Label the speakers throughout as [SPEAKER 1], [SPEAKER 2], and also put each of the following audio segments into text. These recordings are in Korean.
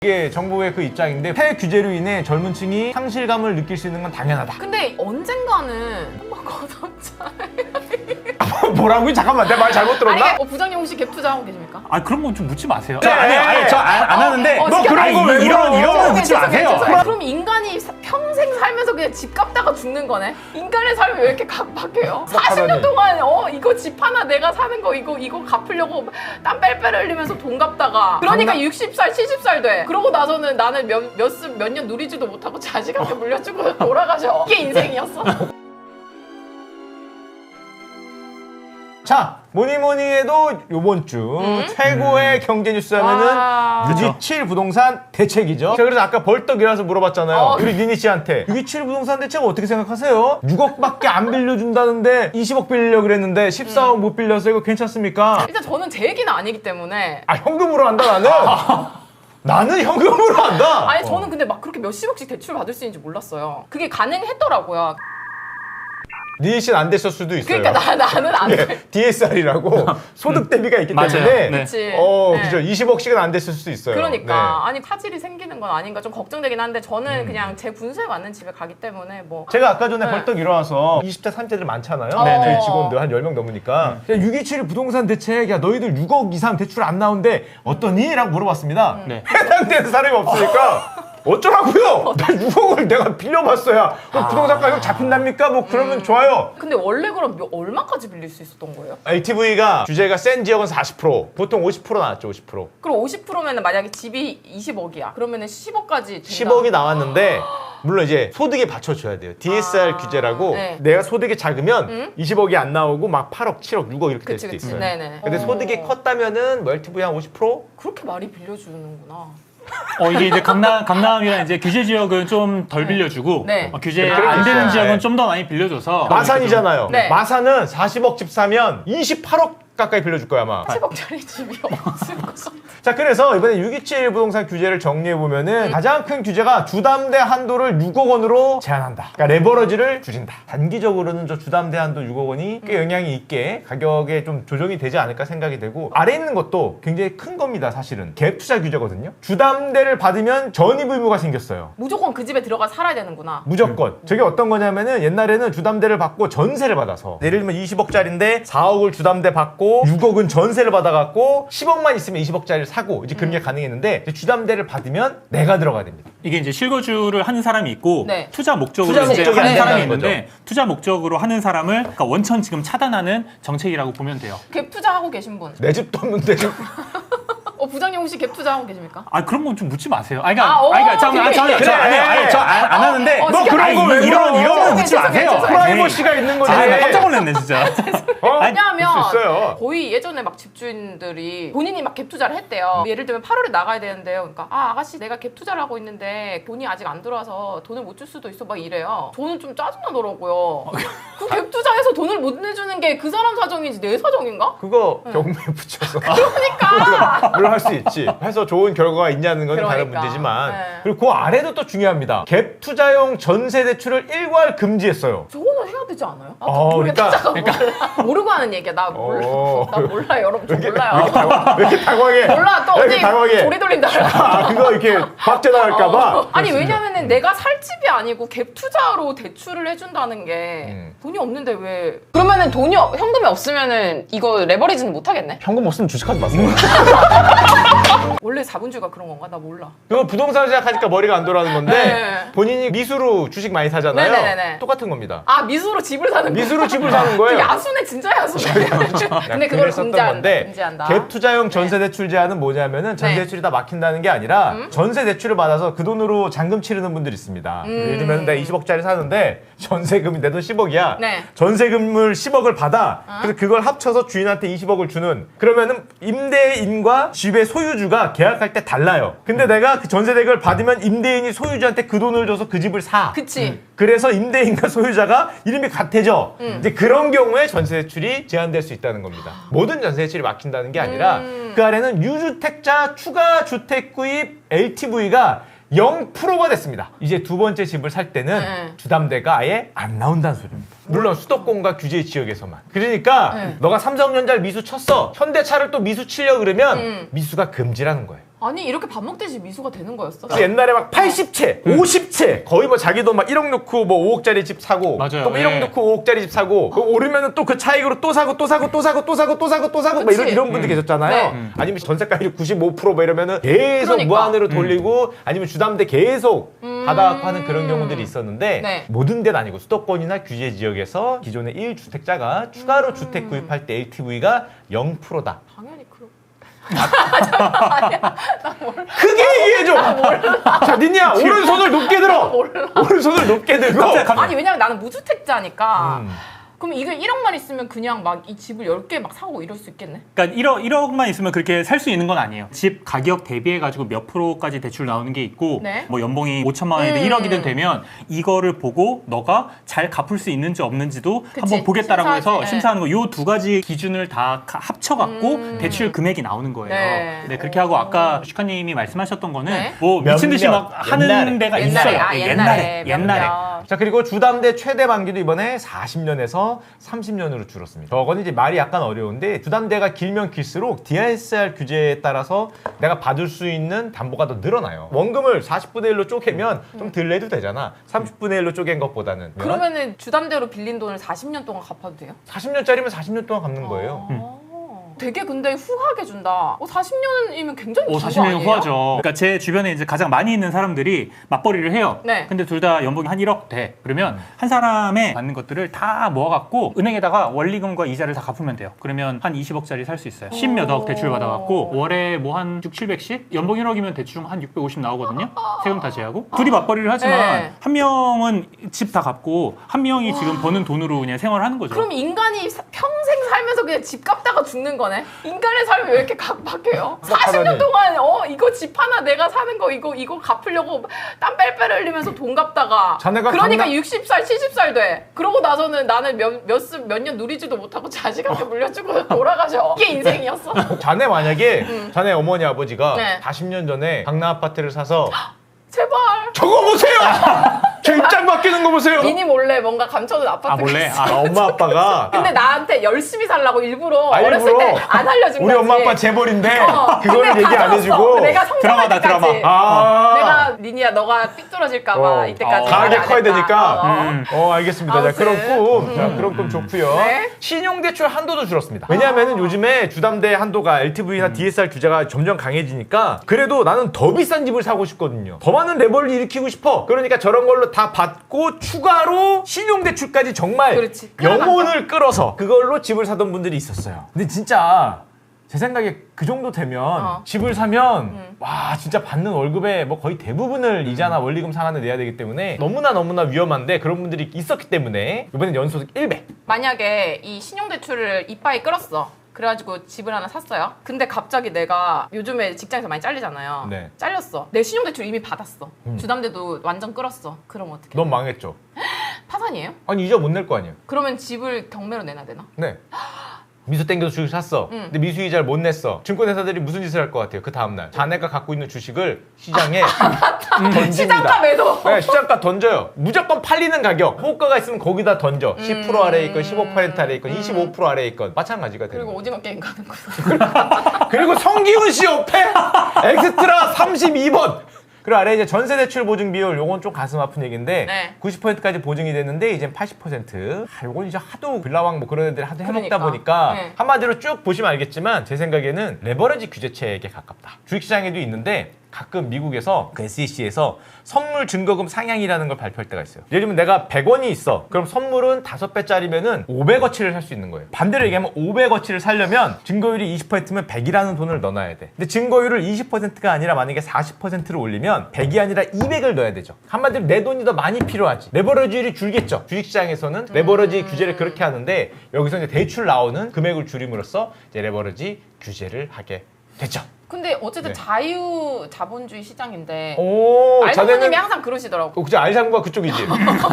[SPEAKER 1] 이게 정부의 그 입장인데 폐 규제로 인해 젊은 층이 상실감을 느낄 수 있는 건 당연하다.
[SPEAKER 2] 근데 언젠가는 한번 거듭잖아요.
[SPEAKER 1] 뭐라고요? 잠깐만, 내 말 잘못 들었나?
[SPEAKER 2] 아니, 부장님 혹시 갭 투자하고 계십니까?
[SPEAKER 3] 아 그런 건 좀 묻지 마세요.
[SPEAKER 1] 네.
[SPEAKER 3] 아니 저 안 하는데
[SPEAKER 1] 너 그런 거 왜
[SPEAKER 3] 이런
[SPEAKER 1] 물어요?
[SPEAKER 3] 거 묻지 마세요.
[SPEAKER 2] 그럼 인간이 평생 살면서 그냥 집 갚다가 죽는 거네? 인간의 삶이 왜 이렇게 각박해요? 40년 동안 이거 집 하나 내가 사는 거 이거 갚으려고 땀 뺄뺄 흘리면서 돈 갚다가 그러니까 60살 70살 돼. 그러고 나서는 나는 몇 년 누리지도 못하고 자식한테 물려주고 돌아가셔. 이게 인생이었어?
[SPEAKER 1] 자, 뭐니 해도 요번 주 최고의 경제 뉴스 하면은 627 부동산 대책이죠. 자, 그래서 아까 벌떡 일어나서 물어봤잖아요. 우리 니니 씨한테 627 부동산 대책 어떻게 생각하세요? 6억밖에 안 빌려준다는데 20억 빌리려고 그랬는데 14억 못 빌려서 이거 괜찮습니까?
[SPEAKER 2] 일단 저는 제 얘기는 아니기 때문에
[SPEAKER 1] 아, 현금으로 한다 나는? 나는 현금으로 한다.
[SPEAKER 2] 아니 저는 근데 막 그렇게 몇십억씩 대출 받을 수 있는지 몰랐어요. 그게 가능했더라고요.
[SPEAKER 1] 니니 씨는 안 됐을 수도 있어요.
[SPEAKER 2] 그러니까 나는 안 돼.
[SPEAKER 1] DSR이라고 소득 대비가 있기
[SPEAKER 3] 맞아요.
[SPEAKER 1] 때문에
[SPEAKER 3] 네.
[SPEAKER 2] 그치.
[SPEAKER 1] 그죠. 20억씩은 안 됐을 수도 있어요.
[SPEAKER 2] 그러니까 아니 파질이 생기는 건 아닌가 좀 걱정되긴 한데 저는 그냥 제 분수에 맞는 집에 가기 때문에 뭐
[SPEAKER 1] 제가 아까 전에
[SPEAKER 2] 네.
[SPEAKER 1] 벌떡 일어나서 20대, 30대들 많잖아요.
[SPEAKER 2] 네네.
[SPEAKER 1] 저희 직원들 한 10명 넘으니까 627 부동산 대책, 야 너희들 6억 이상 대출 안 나오는데 어떠니? 라고 물어봤습니다.
[SPEAKER 3] 네.
[SPEAKER 1] 해당되는 사람이 없으니까 어쩌라고요? 나 6억을 내가 빌려봤어야 부동산 가격 잡힌답니까? 뭐 그러면 좋아요.
[SPEAKER 2] 근데 원래 그럼 얼마까지 빌릴 수 있었던 거예요?
[SPEAKER 1] LTV가 규제가 센 지역은 40%, 보통 50% 나왔죠, 50%.
[SPEAKER 2] 그럼 50%면 만약에 집이 20억이야. 그러면은 10억까지 된다.
[SPEAKER 1] 10억이 나왔는데 물론 이제 소득에 받쳐줘야 돼요. DSR 규제라고
[SPEAKER 2] 네.
[SPEAKER 1] 내가 소득이 작으면 20억이 안 나오고 막 8억, 7억, 6억 이렇게 될
[SPEAKER 2] 그치
[SPEAKER 1] 수도
[SPEAKER 2] 그치.
[SPEAKER 1] 있어요.
[SPEAKER 2] 네네.
[SPEAKER 1] 근데 소득이 컸다면은 뭐 LTV 한 50%?
[SPEAKER 2] 그렇게 많이 빌려주는구나.
[SPEAKER 3] 이게 이제 강남이랑 이제 규제 지역은 좀 덜 빌려주고
[SPEAKER 2] 네.
[SPEAKER 3] 규제
[SPEAKER 1] 그렇게
[SPEAKER 3] 안 되는
[SPEAKER 1] 있어요.
[SPEAKER 3] 지역은
[SPEAKER 1] 네.
[SPEAKER 3] 좀 더 많이 빌려줘서
[SPEAKER 1] 마산이잖아요.
[SPEAKER 2] 네.
[SPEAKER 1] 마산은 40억 집 사면 28억 가까이 빌려줄 거야 아마.
[SPEAKER 2] 10억짜리 집이 없을 것 같아.
[SPEAKER 1] 자, 그래서 이번에 627 부동산 규제를 정리해보면은 가장 큰 규제가 주담대 한도를 6억 원으로 제한한다. 그러니까 레버러지를 줄인다. 단기적으로는 저 주담대 한도 6억 원이 꽤 영향이 있게 가격에 좀 조정이 되지 않을까 생각이 되고, 아래 있는 것도 굉장히 큰 겁니다. 사실은 갭 투자 규제거든요. 주담대를 받으면 전입 의무가 생겼어요.
[SPEAKER 2] 무조건 그 집에 들어가 살아야 되는구나.
[SPEAKER 1] 무조건. 저게 어떤 거냐면은 옛날에는 주담대를 받고 전세를 받아서 예를 들면 20억짜리인데 4억을 주담대 받고 6억은 전세를 받아갖고 10억만 있으면 20억짜리를 사고 이제 그런 게 가능했는데 이제 주담대를 받으면 내가 들어가야 됩니다.
[SPEAKER 3] 이게 이제 실거주를 하는 사람이 있고
[SPEAKER 2] 네.
[SPEAKER 3] 투자 목적으로
[SPEAKER 1] 투자
[SPEAKER 3] 이제
[SPEAKER 1] 목적이
[SPEAKER 3] 하는
[SPEAKER 1] 안
[SPEAKER 3] 사람이
[SPEAKER 1] 된다는
[SPEAKER 3] 있는데 투자 목적으로 하는 사람을 그러니까 원천 지금 차단하는 정책이라고 보면 돼요.
[SPEAKER 2] 갭 투자하고 계신 분.
[SPEAKER 1] 내 집도 없는데
[SPEAKER 2] 부장님 혹시 갭 투자하고 계십니까?
[SPEAKER 3] 아 그런 건 좀 묻지 마세요.
[SPEAKER 2] 되게-
[SPEAKER 3] 저안 하는데
[SPEAKER 2] 너
[SPEAKER 1] 그런 거 왜
[SPEAKER 3] 이런
[SPEAKER 1] 물어?
[SPEAKER 3] 건 묻지 마세요.
[SPEAKER 2] 죄송해요.
[SPEAKER 1] 프라이버시가 있는 거지.
[SPEAKER 3] 나 깜짝 놀랐네 진짜.
[SPEAKER 2] 왜냐하면
[SPEAKER 1] 볼수 있어요.
[SPEAKER 2] 거의 예전에 막 집주인들이 본인이 막 갭 투자를 했대요. 예를 들면 8월에 나가야 되는데요. 그러니까 아가씨 내가 갭 투자를 하고 있는데 돈이 아직 안 들어와서 돈을 못 줄 수도 있어 막 이래요. 저는 좀 짜증나더라고요. 그 갭 투자해서 돈을 못 내주는 게 그 사람 사정이지 내 사정인가?
[SPEAKER 1] 그거 경매에 붙여서
[SPEAKER 2] 그러니까
[SPEAKER 1] 물론 할 수 있지. 해서 좋은 결과가 있냐는 건 다른
[SPEAKER 2] 그러니까.
[SPEAKER 1] 문제지만
[SPEAKER 2] 네.
[SPEAKER 1] 그리고 그 아래도 또 중요합니다. 갭 투자용 전세 대출을 일괄 금지했어요.
[SPEAKER 2] 저거는 해야 되지 않아요? 아,
[SPEAKER 1] 그러니까-
[SPEAKER 2] 몰라. 모르고 하는 얘기야. 나 몰라. 나 몰라요. 여러분 저 몰라요.
[SPEAKER 1] 왜 이렇게 당황해?
[SPEAKER 2] 몰라. 또
[SPEAKER 1] 왜 이렇게
[SPEAKER 2] 어디
[SPEAKER 1] 당황해?
[SPEAKER 2] 조리 돌린다.
[SPEAKER 1] 그거 이렇게 박제당할까봐.
[SPEAKER 2] 아니 왜냐면은 내가 살 집이 아니고 갭 투자로 대출을 해준다는 게
[SPEAKER 1] 음.
[SPEAKER 2] 돈이 없는데 왜? 그러면은 현금이 없으면은 이거 레버리지는 못 하겠네.
[SPEAKER 1] 현금 없으면 주식하지 마세요.
[SPEAKER 2] 원래 자본주의가 그런 건가? 나 몰라.
[SPEAKER 1] 그거 부동산 시작하니까 머리가 안 돌아가는 건데
[SPEAKER 2] 네.
[SPEAKER 1] 본인이 미수로 주식 많이 사잖아요.
[SPEAKER 2] 네네네네.
[SPEAKER 1] 똑같은 겁니다.
[SPEAKER 2] 아 미수로 집을 사는 거.
[SPEAKER 1] 미수로 집을 사는 거예요.
[SPEAKER 2] 야수네 진짜 야수네. 근데 그걸
[SPEAKER 1] 썼던
[SPEAKER 2] 금지한다.
[SPEAKER 1] 갭 투자용 전세 대출 제한은 뭐냐면은 전세
[SPEAKER 2] 네.
[SPEAKER 1] 대출이 다 막힌다는 게 아니라 전세 대출을 받아서 그 돈으로 잔금 치르는 분들이 있습니다. 예를 들면 내가 20억짜리 사는데 전세금이 내 돈 10억이야.
[SPEAKER 2] 네.
[SPEAKER 1] 전세금을 10억을 받아. 그래서 그걸 합쳐서 주인한테 20억을 주는. 그러면은 임대인과 집의 소유주가 계약할 때 달라요. 근데 내가 그 전세 대금을 받으면 임대인이 소유주한테 그 돈을 줘서 그 집을 사.
[SPEAKER 2] 그치.
[SPEAKER 1] 그래서 임대인과 소유자가 이름이 같아져. 이제 그런 경우에 전세 대출이 제한될 수 있다는 겁니다. 모든 전세 대출이 막힌다는 게 아니라 그 아래는 유주택자 추가 주택 구입 LTV가 0%가 됐습니다. 이제 두 번째 집을 살 때는
[SPEAKER 2] 네.
[SPEAKER 1] 주담대가 아예 안 나온다는 소리입니다. 물론 수도권과 규제 지역에서만. 그러니까
[SPEAKER 2] 네.
[SPEAKER 1] 너가 삼성전자를 미수 쳤어. 현대차를 또 미수 치려 그러면 미수가 금지라는 거예요.
[SPEAKER 2] 아니 이렇게 밥 먹듯이 미수가 되는 거였어?
[SPEAKER 1] 옛날에 막 80채, 50채 거의 뭐 자기도 막 1억 넣고 뭐 5억짜리 집 사고
[SPEAKER 3] 맞아요.
[SPEAKER 1] 또 1억
[SPEAKER 3] 예.
[SPEAKER 1] 넣고 5억짜리 집 사고 오르면은 또 그 차익으로 또 사고 또 사고 또 사고 또 사고 또 사고 또 사고 막 이런 분들 계셨잖아요.
[SPEAKER 2] 네.
[SPEAKER 1] 아니면 전세가율이 95%뭐 이러면은 계속
[SPEAKER 2] 그러니까.
[SPEAKER 1] 무한으로 돌리고 아니면 주담대 계속 받아갖고 하는 그런 경우들이 있었는데
[SPEAKER 2] 네.
[SPEAKER 1] 모든 데는 아니고 수도권이나 규제 지역에서 기존의 1주택자가 추가로 주택 구입할 때 LTV가 0%다.
[SPEAKER 2] 당연히 그럼.
[SPEAKER 1] 크게 얘기해줘. 자, 니냐 오른손을 높게 들어. 오른손을 높게 들고.
[SPEAKER 2] 아니 왜냐면 나는 무주택자니까.
[SPEAKER 1] 음.
[SPEAKER 2] 그럼 이거 1억만 있으면 그냥 막 이 집을 10개 막 사고 이럴 수 있겠네?
[SPEAKER 3] 그러니까 1억만 있으면 그렇게 살 수 있는 건 아니에요. 집 가격 대비해가지고 몇 프로까지 대출 나오는 게 있고
[SPEAKER 2] 네.
[SPEAKER 3] 뭐 연봉이 5천만 원이든 1억이든 되면 이거를 보고 너가 잘 갚을 수 있는지 없는지도
[SPEAKER 2] 그치,
[SPEAKER 3] 한번 보겠다라고 해서
[SPEAKER 2] 심사하지.
[SPEAKER 3] 심사하는 거. 요 두 가지 기준을 다 합쳐갖고 대출 금액이 나오는 거예요.
[SPEAKER 2] 네.
[SPEAKER 3] 네, 그렇게 하고 아까 슈카님이 말씀하셨던 거는
[SPEAKER 2] 네.
[SPEAKER 3] 뭐 미친 듯이
[SPEAKER 1] 몇몇,
[SPEAKER 3] 막 하는
[SPEAKER 1] 옛날에.
[SPEAKER 3] 데가
[SPEAKER 2] 옛날에,
[SPEAKER 3] 있어요.
[SPEAKER 2] 아,
[SPEAKER 3] 예,
[SPEAKER 2] 옛날에.
[SPEAKER 3] 옛날에.
[SPEAKER 1] 자, 그리고 주담대 최대 만기도 이번에 40년에서 30년으로 줄었습니다. 저건 이제 말이 약간 어려운데 주담대가 길면 길수록 DSR 규제에 따라서 내가 받을 수 있는 담보가 더 늘어나요. 원금을 40분의 1로 쪼개면 좀 덜 내도 되잖아. 30분의 1로 쪼갠 것보다는.
[SPEAKER 2] 그러면은 주담대로 빌린 돈을 40년 동안 갚아도 돼요?
[SPEAKER 1] 40년짜리면 40년 동안 갚는 거예요.
[SPEAKER 2] 되게 근데 후하게 준다. 40년이면 굉장히
[SPEAKER 3] 오,
[SPEAKER 2] 긴거
[SPEAKER 3] 40년이면
[SPEAKER 2] 아니에요?
[SPEAKER 3] 후하죠. 그러니까 제 주변에 이제 가장 많이 있는 사람들이 맞벌이를 해요.
[SPEAKER 2] 네.
[SPEAKER 3] 근데 둘 다 연봉이 한 1억 돼. 그러면 한 사람의 받는 것들을 다 모아갖고 은행에다가 원리금과 이자를 다 갚으면 돼요. 그러면 한 20억짜리 살 수 있어요. 10몇 억 대출 받아갖고 월에 뭐 한 6, 700씩? 연봉 1억이면 대충 한 650 나오거든요. 세금 다 제하고. 둘이 맞벌이를 하지만
[SPEAKER 2] 네.
[SPEAKER 3] 한 명은 집 다 갚고 한 명이 지금 버는 돈으로 그냥 생활을 하는 거죠.
[SPEAKER 2] 그럼 인간이 평생 살면서 그냥 집 갚다가 죽는 거네? 인간의 삶이 왜 이렇게 각박해요? 40년 동안 이거 집 하나 내가 사는 거 이거 갚으려고 땀 뺄뺄 흘리면서 돈 갚다가
[SPEAKER 1] 자네가
[SPEAKER 2] 그러니까
[SPEAKER 1] 강남-
[SPEAKER 2] 60살 70살 돼. 그러고 나서는 나는 몇 년 누리지도 못하고 자식한테 물려주고 돌아가셔. 이게 인생이었어?
[SPEAKER 1] 자네 만약에 자네 어머니 아버지가
[SPEAKER 2] 네.
[SPEAKER 1] 40년 전에 강남 아파트를 사서
[SPEAKER 2] 제발.
[SPEAKER 1] 저거 보세요! 저 입장 바뀌는 거 보세요!
[SPEAKER 2] 미니 몰래 뭔가 감춰둔 아파트가
[SPEAKER 3] 몰래?
[SPEAKER 2] 있어.
[SPEAKER 1] 엄마 아빠가
[SPEAKER 2] 근데 나한테 열심히 살라고 일부러
[SPEAKER 1] 아,
[SPEAKER 2] 어렸을
[SPEAKER 1] 일부러?
[SPEAKER 2] 때 안 알려준
[SPEAKER 1] 우리
[SPEAKER 2] 거지.
[SPEAKER 1] 엄마 아빠 재벌인데 그거를
[SPEAKER 2] 근데
[SPEAKER 1] 얘기 안
[SPEAKER 2] 가져왔어.
[SPEAKER 1] 해주고
[SPEAKER 2] 내가 성장할
[SPEAKER 3] 드라마다,
[SPEAKER 2] 때까지.
[SPEAKER 3] 드라마.
[SPEAKER 1] 아
[SPEAKER 2] 내가 니니야 너가 삐뚤어질까봐 이때까지
[SPEAKER 1] 강하게
[SPEAKER 2] 말을 안
[SPEAKER 1] 커야
[SPEAKER 2] 했다.
[SPEAKER 1] 되니까 알겠습니다. 자,
[SPEAKER 2] 아무튼.
[SPEAKER 1] 그런 꿈 좋고요.
[SPEAKER 2] 네.
[SPEAKER 1] 신용대출 한도도 줄었습니다. 왜냐하면 요즘에 주담대 한도가 LTV나 DSR 규제가 점점 강해지니까 그래도 나는 더 비싼 집을 사고 싶거든요. 더 많은 레버를 일으키고 싶어. 그러니까 저런 걸로 다 받고 추가로 신용대출까지 정말
[SPEAKER 2] 그렇지.
[SPEAKER 1] 영혼을 끌어서 그걸로 집을 사던 분들이 있었어요. 근데 진짜 제 생각에 그 정도 되면 집을 사면 와 진짜 받는 월급의 뭐 거의 대부분을 이자나 원리금 상환을 내야 되기 때문에 너무나 위험한데 그런 분들이 있었기 때문에 이번엔 연소득 1배.
[SPEAKER 2] 만약에 이 신용대출을 이빠이 끌었어. 그래가지고 집을 하나 샀어요. 근데 갑자기 내가 요즘에 직장에서 많이 잘리잖아요.
[SPEAKER 1] 네.
[SPEAKER 2] 잘렸어. 내 신용대출 이미 받았어. 주담대도 완전 끌었어. 그럼 어떻게?
[SPEAKER 1] 넌 망했죠.
[SPEAKER 2] 파산이에요?
[SPEAKER 1] 아니 이자 못 낼 거 아니에요.
[SPEAKER 2] 그러면 집을 경매로 내놔야 되나?
[SPEAKER 1] 네. 미수 땡겨서 주식 샀어. 근데 미수 이자를 못 냈어. 증권회사들이 무슨 짓을 할 것 같아요? 그 다음날 자네가 갖고 있는 주식을 시장에 던집니다.
[SPEAKER 2] 시장가 매도.
[SPEAKER 1] 네, 시장가 던져요. 무조건 팔리는 가격. 호가가 있으면 거기다 던져. 10% 아래에 있건 15% 아래에 있건 25% 아래에 있건 마찬가지가 되는
[SPEAKER 2] 그리고
[SPEAKER 1] 거예요.
[SPEAKER 2] 오징어 게임 가는 거.
[SPEAKER 1] 그리고 성기훈 씨 옆에 엑스트라 32번. 그리고 아래 이제 전세 대출 보증 비율 요건 좀 가슴 아픈 얘기인데
[SPEAKER 2] 네.
[SPEAKER 1] 90%까지 보증이 됐는데 이제 80%. 요건 이제 하도 빌라왕 뭐 그런 애들 하도 해먹다
[SPEAKER 2] 그러니까.
[SPEAKER 1] 보니까
[SPEAKER 2] 네.
[SPEAKER 1] 한마디로 쭉 보시면 알겠지만 제 생각에는 레버리지 규제책에 가깝다. 주식시장에도 있는데 가끔 미국에서 그 SEC에서 선물 증거금 상향이라는 걸 발표할 때가 있어요. 예를 들면 내가 100원이 있어. 그럼 선물은 5배짜리면은 500어치를 살 수 있는 거예요. 반대로 얘기하면 500어치를 살려면 증거율이 20%면 100이라는 돈을 넣어놔야 돼. 근데 증거율을 20%가 아니라 만약에 40%를 올리면 100이 아니라 200을 넣어야 되죠. 한마디로 내 돈이 더 많이 필요하지. 레버리지율이 줄겠죠. 주식시장에서는 레버리지 규제를 그렇게 하는데 여기서 이제 대출 나오는 금액을 줄임으로써 이제 레버리지 규제를 하게 됐죠.
[SPEAKER 2] 근데 어쨌든
[SPEAKER 1] 네.
[SPEAKER 2] 자유 자본주의 시장인데
[SPEAKER 1] 오,
[SPEAKER 2] 알사모님이 항상 그러시더라고.
[SPEAKER 1] 그죠? 알상부가 그쪽이지.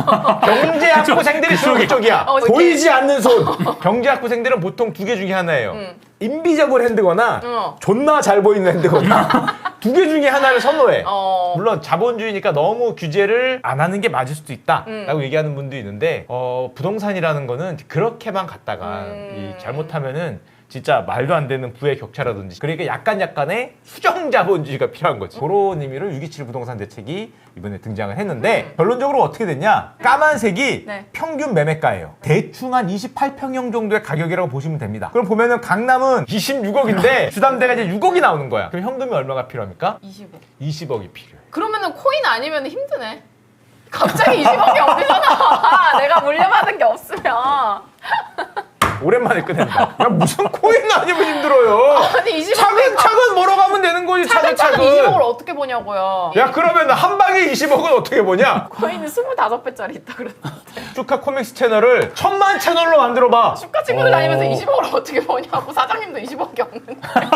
[SPEAKER 1] 경제학부생들이 주로 그쪽이야.
[SPEAKER 2] 그치.
[SPEAKER 1] 보이지 않는 손. 경제학부생들은 보통 두 개 중에 하나예요. 인비저블 핸드거나 존나 잘 보이는 핸드거나 두 개 중에 하나를 선호해. 물론 자본주의니까 너무 규제를 안 하는 게 맞을 수도 있다라고 얘기하는 분도 있는데 부동산이라는 거는 그렇게만 갔다가 이 잘못하면은 진짜 말도 안 되는 부의 격차라든지 그러니까 약간의 수정 자본주의가 필요한 거지. 그런 의미로 627 부동산 대책이 이번에 등장을 했는데 결론적으로 어떻게 됐냐? 까만색이
[SPEAKER 2] 네.
[SPEAKER 1] 평균 매매가예요. 대충 한 28평형 정도의 가격이라고 보시면 됩니다. 그럼 보면은 강남은 26억인데 주담대가 이제 6억이 나오는 거야. 그럼 현금이 얼마가 필요합니까?
[SPEAKER 2] 20억.
[SPEAKER 1] 20억이 필요해.
[SPEAKER 2] 그러면은 코인 아니면 힘드네. 갑자기 20억이 어디서 나와? 내가 물려받은 게 없으면.
[SPEAKER 1] 오랜만에 꺼낸다. 야 무슨 코인 아니면 힘들어요.
[SPEAKER 2] 아니 20억.
[SPEAKER 1] 차근차근 벌어가면 되는 거지.
[SPEAKER 2] 차근차근 20억을
[SPEAKER 1] 차근차근.
[SPEAKER 2] 어떻게 보냐고요.
[SPEAKER 1] 야 그러면 한 방에 20억은 어떻게 보냐?
[SPEAKER 2] 코인은 25배짜리 있다 그랬는데.
[SPEAKER 1] 슈카 코믹스 채널을 1000만 채널로 만들어봐.
[SPEAKER 2] 슈카 친구들 다니면서 20억을 어떻게 버냐고. 사장님도 20억이 없는데.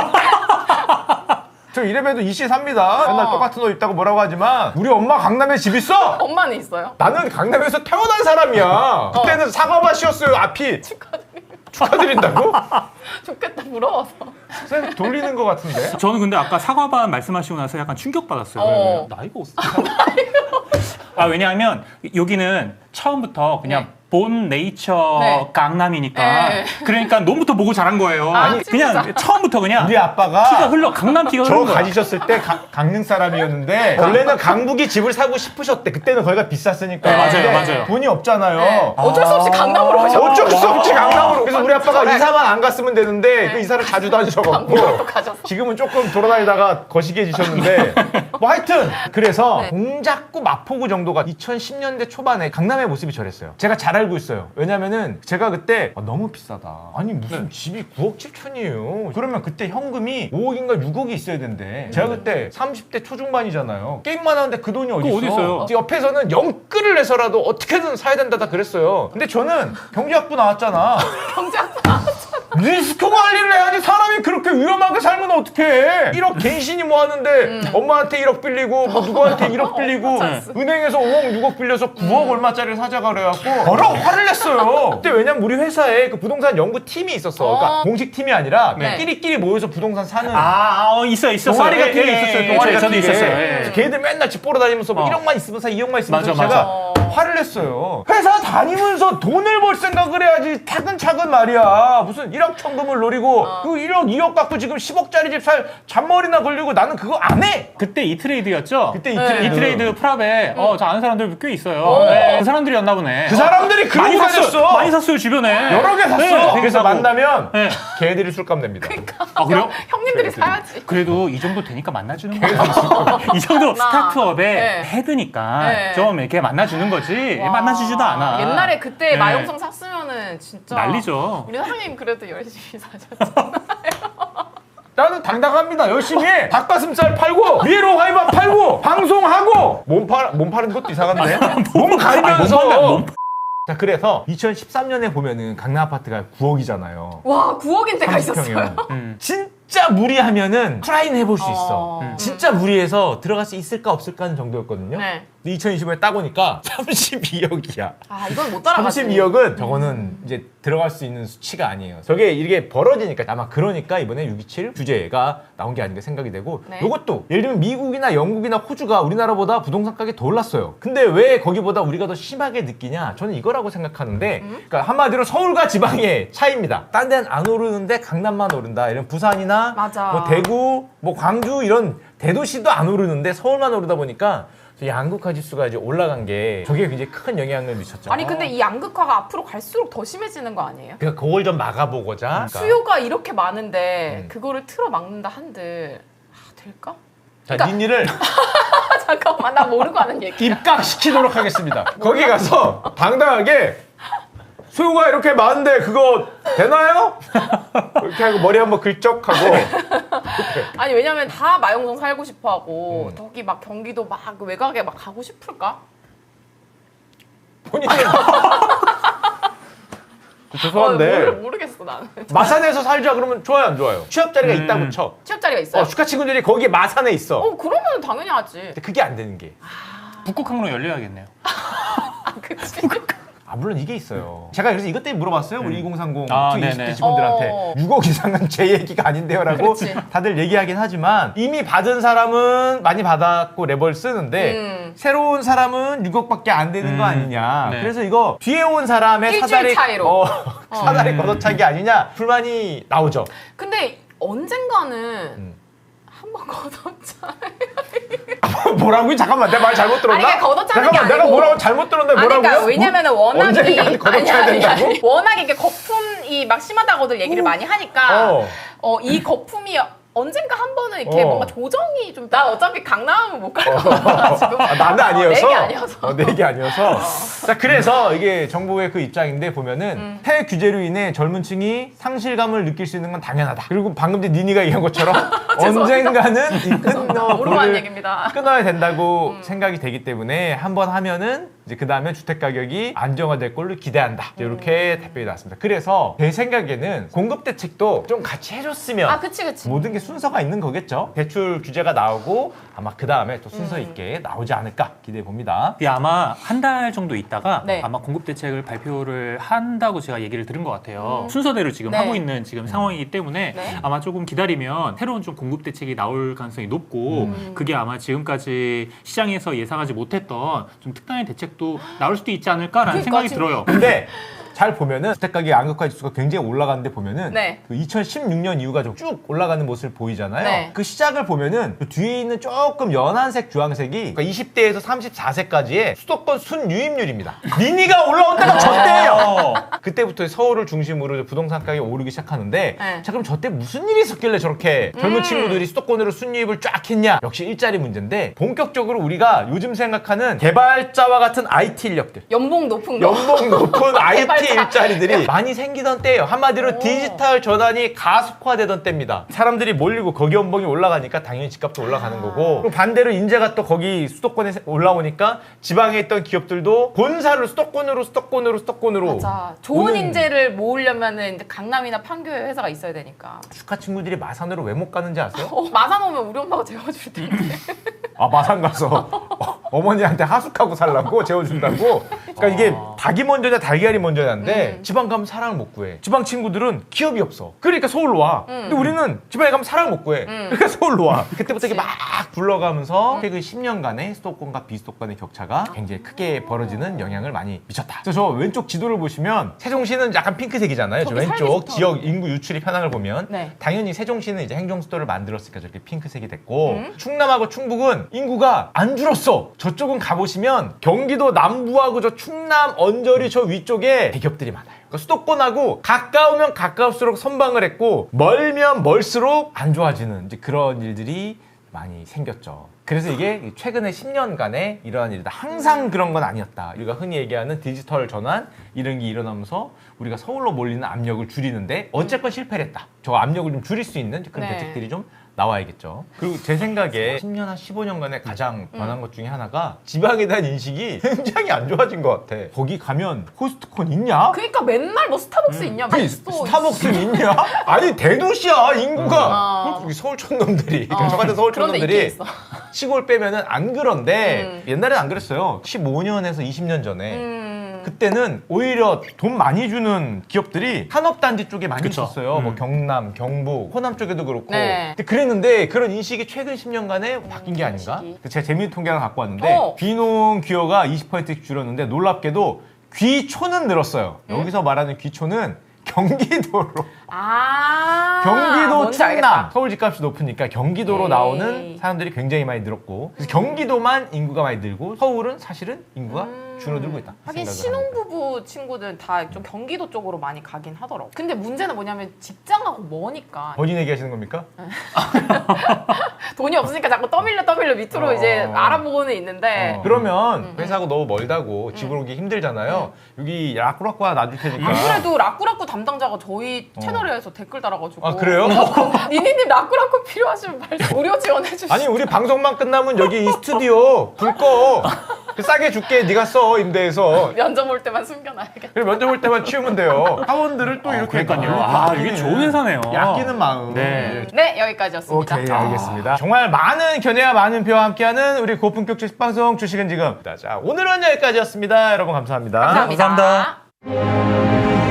[SPEAKER 1] 저 이래봬도 이씨 삽니다. 맨날 똑같은 옷 입다고 뭐라고 하지만 우리 엄마 강남에 집 있어?
[SPEAKER 2] 엄마는 있어요?
[SPEAKER 1] 나는 강남에서 태어난 사람이야. 그때는 사과밭이었어요 앞이. 축하드린다고?
[SPEAKER 2] 좋겠다 부러워서.
[SPEAKER 1] 쌤 돌리는 것 같은데?
[SPEAKER 3] 저는 근데 아까 사과반 말씀하시고 나서 약간 충격받았어요. 나이가 어떻게 왜냐하면 여기는 처음부터 그냥
[SPEAKER 2] 네.
[SPEAKER 3] 본 네이처
[SPEAKER 2] 네.
[SPEAKER 3] 강남이니까
[SPEAKER 2] 네.
[SPEAKER 3] 그러니까 너부터 보고 자란 거예요.
[SPEAKER 2] 아니,
[SPEAKER 3] 그냥
[SPEAKER 2] 진짜?
[SPEAKER 3] 처음부터 그냥
[SPEAKER 1] 우리 아빠가
[SPEAKER 3] 피가 흘러 강남 피가
[SPEAKER 1] 저
[SPEAKER 3] 흐른 거야.
[SPEAKER 1] 가지셨을 때 강릉 사람이었는데 원래는 강북이 집을 사고 싶으셨대. 그때는 거기가 비쌌으니까.
[SPEAKER 3] 네, 맞아요,
[SPEAKER 1] 근데
[SPEAKER 3] 맞아요.
[SPEAKER 1] 돈이 없잖아요.
[SPEAKER 2] 네. 어쩔 수 없이 강남으로 오셨어.
[SPEAKER 1] 어쩔 수 없지 강남으로. 그래서 우리 아빠가
[SPEAKER 2] 그래.
[SPEAKER 1] 이사만 안 갔으면 되는데 그 이사를 자주
[SPEAKER 2] 강북으로 또
[SPEAKER 1] 다니셔갖고
[SPEAKER 2] 가셨어.
[SPEAKER 1] 지금은 조금 돌아다니다가 거시기해지셨는데 뭐 하여튼 그래서
[SPEAKER 2] 네.
[SPEAKER 1] 동작구 마포구 정도가 2010년대 초반에 강남의 모습이 저랬어요. 제가 잘 알고 있어요. 왜냐면은 제가 그때 너무 비싸다. 아니 무슨 집이 9억 7천이에요. 그러면 그때 현금이 5억인가 6억이 있어야 된대. 제가 그때 30대 초중반이잖아요. 게임만 하는데 그 돈이 어디
[SPEAKER 3] 그거 어디 있어요?
[SPEAKER 1] 옆에서는 영끌을 내서라도 어떻게든 사야 된다 다 그랬어요. 근데 저는 경제학부 나왔잖아.
[SPEAKER 2] 경제학부
[SPEAKER 1] 리스크 관리를 해야지. 사람이 그렇게 위험하게 살면 어떡해. 1억 갱신이 뭐 하는데 엄마한테 1억 빌리고 뭐 누구한테 1억 빌리고 은행에서 5억 6억 빌려서 9억 얼마짜리를 사자가 그래갖고 여러 화를 냈어요. 그때 왜냐면 우리 회사에 그 부동산 연구팀이 있었어. 그러니까 공식 팀이 아니라
[SPEAKER 2] 네.
[SPEAKER 1] 끼리끼리 모여서 부동산 사는
[SPEAKER 3] 있었어요.
[SPEAKER 1] 동아리 같은 게 있었어요. 동아리
[SPEAKER 3] 저도
[SPEAKER 1] 같은 게.
[SPEAKER 3] 있었어요.
[SPEAKER 1] 그래서 걔들 맨날 집 보러 다니면서 뭐 1억만 있으면 사, 2억만 있으면 사.
[SPEAKER 3] 맞아,
[SPEAKER 1] 제가
[SPEAKER 2] 맞아.
[SPEAKER 1] 화를 냈어요. 회사 다니면서 돈을 벌 생각을 해야지. 차근차근 말이야. 무슨 1억 천금을 노리고 그 1억 2억 갖고 지금 10억짜리 집 살 잔머리나 걸리고 나는 그거 안 해.
[SPEAKER 3] 그때 이트레이드였죠?
[SPEAKER 1] 그때
[SPEAKER 2] 네.
[SPEAKER 3] 이트레이드 프랍에 저 아는 사람들 꽤 있어요.
[SPEAKER 2] 오.
[SPEAKER 3] 네, 그 사람들이었나 보네.
[SPEAKER 1] 그 사람들이 그런
[SPEAKER 3] 많이
[SPEAKER 1] 거
[SPEAKER 3] 샀어요.
[SPEAKER 1] 샀어.
[SPEAKER 3] 많이 샀어요 주변에.
[SPEAKER 1] 여러 개 샀어.
[SPEAKER 3] 네,
[SPEAKER 1] 그래서
[SPEAKER 3] 사고.
[SPEAKER 1] 만나면
[SPEAKER 3] 네.
[SPEAKER 1] 걔들이 술값 냅니다.
[SPEAKER 3] 아 그래요?
[SPEAKER 2] 형님들이 사야지.
[SPEAKER 3] 그래도 이 정도 되니까 만나주는 거야. 이 정도 스타트업의
[SPEAKER 2] 네.
[SPEAKER 3] 헤드니까
[SPEAKER 2] 네.
[SPEAKER 3] 좀 이렇게 만나주는 거지.
[SPEAKER 2] 와.
[SPEAKER 3] 만나주지도 않아.
[SPEAKER 2] 옛날에 그때
[SPEAKER 3] 네.
[SPEAKER 2] 마용성 샀으면은 진짜
[SPEAKER 3] 난리죠.
[SPEAKER 2] 우리 사장님 그래도 열심히 사셨잖아요.
[SPEAKER 1] 나는 당당합니다. 열심히 해. 닭가슴살 팔고 위로 화이밥 팔고 방송하고 몸 파는 것도 이상한데 몸 가리면서
[SPEAKER 3] 아니, 몸
[SPEAKER 1] 자 그래서 2013년에 보면은 강남 아파트가 9억이잖아요.
[SPEAKER 2] 와 9억인 때가 있었어요.
[SPEAKER 1] 진짜 무리하면은 트라이는 해볼 수 있어.
[SPEAKER 2] 어.
[SPEAKER 1] 진짜 무리해서 들어갈 수 있을까 없을까 하는 정도였거든요.
[SPEAKER 2] 네.
[SPEAKER 1] 2025에 따보니까 32억이야.
[SPEAKER 2] 아 이건 못 따라가지.
[SPEAKER 1] 32억은 저거는 이제 들어갈 수 있는 수치가 아니에요. 저게 이게 벌어지니까 아마 그러니까 이번에 627 규제가 나온 게 아닌가 생각이 되고
[SPEAKER 2] 네.
[SPEAKER 1] 이것도 예를 들면 미국이나 영국이나 호주가 우리나라보다 부동산 가격이 더 올랐어요. 근데 왜 거기보다 우리가 더 심하게 느끼냐? 저는 이거라고 생각하는데 그러니까 한마디로 서울과 지방의 차이입니다. 딴 데는 안 오르는데 강남만 오른다. 이런 부산이나
[SPEAKER 2] 맞아.
[SPEAKER 1] 뭐 대구, 뭐 광주 이런 대도시도 안 오르는데 서울만 오르다 보니까 양극화 지수가 이제 올라간 게 저게 굉장히 큰 영향을 미쳤죠.
[SPEAKER 2] 아니 근데 이 양극화가 앞으로 갈수록 더 심해지는 거 아니에요?
[SPEAKER 1] 그러니까 그걸 좀 막아보고자. 그러니까.
[SPEAKER 2] 수요가 이렇게 많은데 그거를 틀어 막는다 한들 될까?
[SPEAKER 1] 자,
[SPEAKER 2] 그러니까-
[SPEAKER 1] 닌니를
[SPEAKER 2] 잠깐만 나 모르고 하는 얘기.
[SPEAKER 1] 입각시키도록 하겠습니다. 거기 가서 당당하게 수요가 이렇게 많은데 그거 되나요? 이렇게 하고 머리 한번 긁적하고
[SPEAKER 2] 아니 왜냐면 다 마용성 살고 싶어하고 거기 막 경기도 막 외곽에 막 가고 싶을까?
[SPEAKER 1] 본인은 죄송한데
[SPEAKER 2] 모르겠어 나는.
[SPEAKER 1] 마산에서 살자 그러면 좋아요 안 좋아요? 취업 자리가 있다고 쳐.
[SPEAKER 2] 취업 자리가 있어요?
[SPEAKER 1] 슈카 친구들이 거기에 마산에 있어.
[SPEAKER 2] 그러면 당연히 하지.
[SPEAKER 1] 근데 그게 안 되는 게.
[SPEAKER 3] 북극 항로 열려야겠네요.
[SPEAKER 2] 아 그치.
[SPEAKER 1] 물론 이게 있어요. 제가 그래서 이것 때문에 물어봤어요. 우리 2030
[SPEAKER 3] 아,
[SPEAKER 1] 20대
[SPEAKER 3] 네네.
[SPEAKER 1] 직원들한테 6억 이상은 제 얘기가 아닌데요라고
[SPEAKER 2] 그치.
[SPEAKER 1] 다들 얘기하긴 하지만 이미 받은 사람은 많이 받았고 레버를 쓰는데 새로운 사람은 6억밖에 안 되는 거 아니냐.
[SPEAKER 3] 네.
[SPEAKER 1] 그래서 이거 뒤에 온 사람의
[SPEAKER 2] 일주일
[SPEAKER 1] 사다리
[SPEAKER 2] 차이로.
[SPEAKER 1] 사다리 걷어차기 아니냐 불만이 나오죠.
[SPEAKER 2] 근데 언젠가는 한 번 걷었잖아요.
[SPEAKER 1] 뭐라고요? 잠깐만 내 말 잘못 들었나?
[SPEAKER 2] 아니, 그러니까 걷어차는 게
[SPEAKER 1] 잠깐만 내가
[SPEAKER 2] 아니고.
[SPEAKER 1] 뭐라고 잘못 들었는데
[SPEAKER 2] 아니,
[SPEAKER 1] 뭐라고요?
[SPEAKER 2] 그러니까 왜냐면은 워낙에
[SPEAKER 1] 언젠가는 걷어차야 된다고?
[SPEAKER 2] 워낙에 이게 거품이 막 심하다고들 얘기를 많이 하니까 이 거품이 언젠가 한 번은 이렇게 뭔가 조정이 좀. 나 어차피 강남은 못 갈 거야 지금.
[SPEAKER 1] 나는 아니어서.
[SPEAKER 2] 내게 아니어서.
[SPEAKER 1] 내게 아니어서. 자, 그래서 이게 정부의 그 입장인데 보면은 폐 규제로 인해 젊은 층이 상실감을 느낄 수 있는 건 당연하다. 그리고 방금 전에 니니가 얘기한 것처럼 언젠가는 이
[SPEAKER 2] 모르고 한 얘기입니다.
[SPEAKER 1] 끊어야 된다고 생각이 되기 때문에 한번 하면은 이제 그 다음에 주택 가격이 안정화될 걸로 기대한다. 이렇게 답변이 나왔습니다. 그래서 제 생각에는 공급 대책도 좀 같이 해줬으면
[SPEAKER 2] 아, 그치.
[SPEAKER 1] 모든 게 순서가 있는 거겠죠. 대출 규제가 나오고 아마 그 다음에 또 순서 있게 나오지 않을까 기대해 봅니다.
[SPEAKER 3] 이게 아마 한 달 정도 있다가
[SPEAKER 2] 네.
[SPEAKER 3] 아마 공급 대책을 발표를 한다고 제가 얘기를 들은 것 같아요. 순서대로 지금
[SPEAKER 2] 네.
[SPEAKER 3] 하고 있는 지금 상황이기 때문에
[SPEAKER 2] 네.
[SPEAKER 3] 아마 조금 기다리면 새로운 좀 공급 대책이 나올 가능성이 높고 그게 아마 지금까지 시장에서 예상하지 못했던 좀 특단의 대책도 나올 수도 있지 않을까라는
[SPEAKER 2] 그러니까
[SPEAKER 3] 생각이
[SPEAKER 2] 지금
[SPEAKER 3] 들어요.
[SPEAKER 1] 근데 잘 보면은 주택 가격 양극화 지수가 굉장히 올라가는데 보면은
[SPEAKER 2] 네.
[SPEAKER 1] 그 2016년 이후가 좀 쭉 올라가는 모습을 보이잖아요.
[SPEAKER 2] 네.
[SPEAKER 1] 그 시작을 보면은 그 뒤에 있는 조금 연한색 주황색이 그러니까 20대에서 34세까지의 수도권 순유입률입니다. 니니가 올라온 때가 저때예요. 그때부터 서울을 중심으로 부동산 가격이 오르기 시작하는데
[SPEAKER 2] 네.
[SPEAKER 1] 자 그럼 저때 무슨 일이 있었길래 저렇게 젊은 친구들이 수도권으로 순유입을 쫙 했냐? 역시 일자리 문제인데 본격적으로 우리가 요즘 생각하는 개발자와 같은 IT 인력들
[SPEAKER 2] 연봉 높은 거.
[SPEAKER 1] 연봉 높은 IT
[SPEAKER 2] 개발자.
[SPEAKER 1] 일자리들이 많이 생기던 때예요. 한마디로 디지털 전환이 가속화되던 때입니다. 사람들이 몰리고 거기 연봉이 올라가니까 당연히 집값도 올라가는 거고 그리고 반대로 인재가 또 거기 수도권에 올라오니까 지방에 있던 기업들도 본사를 수도권으로
[SPEAKER 2] 맞아. 좋은
[SPEAKER 1] 오는-
[SPEAKER 2] 인재를 모으려면은 이제 강남이나 판교에 회사가 있어야 되니까.
[SPEAKER 1] 축하 친구들이 마산으로 왜 못 가는지 아세요?
[SPEAKER 2] 마산 오면 우리 엄마가 재워줄 텐데.
[SPEAKER 1] 아 마산 가서 어머니한테 하숙하고 살라고 재워준다고. 그러니까 이게 닭이 먼저냐 달걀이 먼저냐인데 지방 가면 사랑을 못 구해. 지방 친구들은 기업이 없어. 그러니까 서울로 와. 근데 우리는 지방에 가면 사랑을 못 구해. 그러니까 서울로 와. 그때부터 이게 막 굴러가면서 최근 10년간의 수도권과 비수도권의 격차가 굉장히 크게 벌어지는 영향을 많이 미쳤다. 그래서 저 왼쪽 지도를 보시면 세종시는 약간 핑크색이잖아요. 저
[SPEAKER 2] 저기 살기
[SPEAKER 1] 왼쪽
[SPEAKER 2] 좋다.
[SPEAKER 1] 지역 인구 유출입 현황을 보면
[SPEAKER 2] 네.
[SPEAKER 1] 당연히 세종시는 이제 행정수도를 만들었으니까 저렇게 핑크색이 됐고 충남하고 충북은 인구가 안 줄었어. 저쪽은 가보시면 경기도 남부하고 저 충남 언저리 저 위쪽에 대기업들이 많아요. 그러니까 수도권하고 가까우면 가까울수록 선방을 했고 멀면 멀수록 안 좋아지는 이제 그런 일들이 많이 생겼죠. 그래서 이게 최근에 10년간의 이러한 일이다. 항상 그런 건 아니었다. 우리가 흔히 얘기하는 디지털 전환 이런 게 일어나면서 우리가 서울로 몰리는 압력을 줄이는데 어쨌건 실패를 했다. 저 압력을 좀 줄일 수 있는 그런
[SPEAKER 2] 네.
[SPEAKER 1] 대책들이 좀 나와야겠죠. 그리고 제 생각에 10년 한 15년간에 가장 변한 것 중에 하나가 지방에 대한 인식이 굉장히 안 좋아진 것 같아. 거기 가면 코스트콘 있냐?
[SPEAKER 2] 그러니까 맨날 뭐 스타벅스 있냐?
[SPEAKER 1] 아니, 스타벅스 있냐? 아니 대도시야 인구가. 여기 서울촌 놈들이 저 같은 서울촌
[SPEAKER 2] 그런데 있긴
[SPEAKER 1] 놈들이
[SPEAKER 2] 있어.
[SPEAKER 1] 시골 빼면은 안 그런데 옛날에는 안 그랬어요. 15년에서 20년 전에 그때는 오히려 돈 많이 주는 기업들이 산업단지 쪽에 많이
[SPEAKER 3] 그쵸.
[SPEAKER 1] 있었어요. 뭐 경남, 경북, 호남 쪽에도 그렇고.
[SPEAKER 2] 네.
[SPEAKER 1] 근데 그랬는데 그런 인식이 최근 10년간에 바뀐 게 아닌가?
[SPEAKER 2] 인식이.
[SPEAKER 1] 그래서 제가 재미있는 통계 하나 갖고 왔는데 귀농 기여가 20%씩 줄었는데 놀랍게도 귀촌은 늘었어요. 여기서 말하는 귀촌은 경기도로. 경기도
[SPEAKER 2] 뭔지
[SPEAKER 1] 충남
[SPEAKER 2] 알겠다.
[SPEAKER 1] 서울 집값이 높으니까 경기도로
[SPEAKER 2] 에이.
[SPEAKER 1] 나오는 사람들이 굉장히 많이 늘었고 그래서 경기도만 인구가 많이 늘고 서울은 사실은 인구가 줄어들고 있다.
[SPEAKER 2] 하긴
[SPEAKER 1] 생각을 합니다.
[SPEAKER 2] 신혼부부 친구들 다 좀 경기도 쪽으로 많이 가긴 하더라고. 근데 문제는 뭐냐면 직장하고 머니까
[SPEAKER 1] 본인 얘기하시는 겁니까?
[SPEAKER 2] 돈이 없으니까 자꾸 떠밀려 밑으로 이제 알아보고는 있는데
[SPEAKER 1] 그러면 회사하고 너무 멀다고 집으로 오기 힘들잖아요. 여기 라꾸라꾸 하나 놔줄 테니까.
[SPEAKER 2] 안 그래도 라꾸라꾸 담당자가 저희 채널에서 댓글 달아가지고
[SPEAKER 1] 아 그래요?
[SPEAKER 2] 니니님 라꾸라꾸 필요하시면 말씀 무료 지원해 주시죠.
[SPEAKER 1] 아니 우리 방송만 끝나면 여기 이 스튜디오 불 꺼. 싸게 줄게 네가 써 임대해서.
[SPEAKER 2] 면접 올 때만 숨겨놔야겠다.
[SPEAKER 1] 그리고 면접 올 때만 치우면 돼요. 사원들을 또 이렇게
[SPEAKER 3] 그러니까요. 아, 이게 좋은 회사네요.
[SPEAKER 1] 아끼는 마음.
[SPEAKER 3] 네.
[SPEAKER 2] 네, 여기까지였습니다.
[SPEAKER 1] 오케이, 알겠습니다. 정말 많은 견해와 많은 표와 함께하는 우리 고품격 주식방송 주식은 지금. 자, 오늘은 여기까지였습니다. 여러분 감사합니다.
[SPEAKER 2] 감사합니다.
[SPEAKER 3] 감사합니다.